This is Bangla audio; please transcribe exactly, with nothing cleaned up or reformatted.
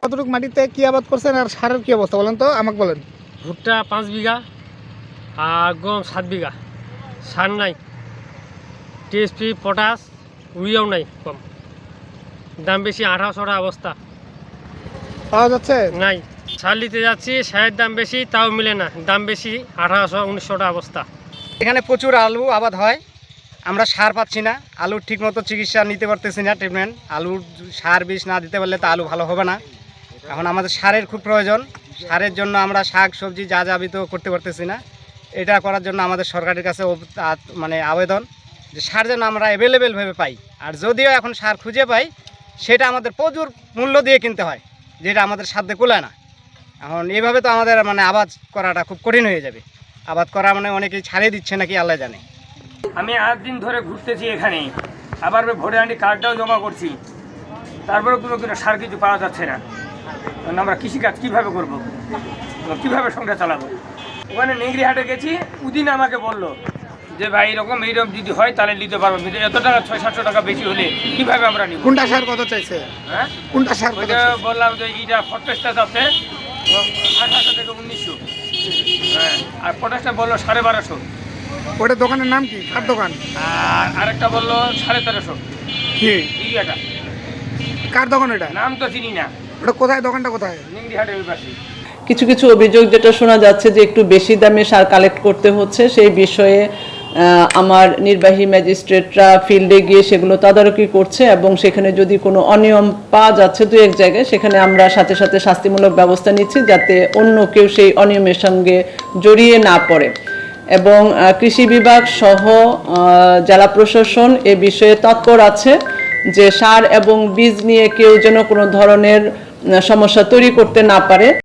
কতটুকু মাটিতে কি আবাদ করছেন আর সারের কি অবস্থা বলেন তো, আমাকে বলেন। ভুট্টা পাঁচ বিঘা আর গম সাত বিঘা, সার নাই, টিএসপি পটাশ উড়িয়াও নাই, কম দাম বেশি, আঠারোশো টাকা অবস্থা পাওয়া যাচ্ছে নাই। সার নিতে যাচ্ছি, সারের দাম বেশি, তাও মিলে না, দাম বেশি, আঠারোশো উনিশশো টাকা অবস্থা। এখানে প্রচুর আলু আবাদ হয়, আমরা সার পাচ্ছি না, আলুর ঠিকমতো চিকিৎসা নিতে পারতেছি না, ট্রিটমেন্ট। আলুর সার বিষ না দিতে পারলে তো আলু ভালো হবে না। এখন আমাদের সারের খুব প্রয়োজন, সারের জন্য আমরা শাক সবজি যা যাবিত করতে পারতেছি না। এটা করার জন্য আমাদের সরকারের কাছে মানে আবেদন যে সার যেন আমরা অ্যাভেলেবেলভাবে পাই, আর যদিও এখন সার খুঁজে পাই সেটা আমাদের প্রচুর মূল্য দিয়ে কিনতে হয়, যেটা আমাদের সাধ্যে কুলায় না। এখন এইভাবে তো আমাদের মানে আবাদ করাটা খুব কঠিন হয়ে যাবে। আবাদ করা মানে অনেকেই ছাড়িয়ে দিচ্ছে নাকি আল্লাহ জানে। আমি আট দিন ধরে ঘুরতেছি এখানে, আবার ভোটে আনি কার্ডটাও জমা করছি, তারপরে কোনো কোনো সার কিছু পাওয়া যাচ্ছে না। আমরা কৃষিকাজ কীভাবে করবো, কীভাবে সংসার চালাবো? ওখানে নেংরি হাটে গেছি, উদিন আমাকে বললো যে ভাই এরকম এইরকম যদি হয় তাহলে নিতে পারবো, কিন্তু এত টাকা ছয় সাতশো টাকা বেশি হলে কীভাবে আমরা নিব? কোনটা সার কত চাইছে? হ্যাঁ, কোনটা সার কত? বললাম যে এইটা ফটপেসটা যাচ্ছে আঠারোশো থেকে উনিশশো, হ্যাঁ, আর পটাশটা বললো সাড়ে বারোশো। ওটা দোকানের নাম কি, কার দোকান? আর আরেকটা বললো সাড়ে তেরোশো। কি ইউরিয়াটা কার দোকান? এটা নাম তো চিনি না। ওটা কোথায়, দোকানটা কোথায়? নেংরি হাটের ওই পাশে। কিছু কিছু অভিযোগ যেটা শোনা যাচ্ছে যে একটু বেশি দামে সার কালেক্ট করতে হচ্ছে, সেই বিষয়ে আমার নির্বাহী ম্যাজিস্ট্রেটরা ফিল্ডে গিয়ে সেগুলো তদারকি করছে, এবং সেখানে যদি কোনো অনিয়ম পাওয়া যাচ্ছে দু এক জায়গায়, সেখানে আমরা সাথে সাথে শাস্তিমূলক ব্যবস্থা নিচ্ছি যাতে অন্য কেউ সেই অনিয়মের সঙ্গে জড়িয়ে না পড়ে। এবং কৃষি বিভাগ সহ জেলা প্রশাসন এ বিষয়ে তৎপর আছে যে সার এবং বীজ নিয়ে কেউ যেন কোনো ধরনের সমস্যা তৈরি করতে না পারে।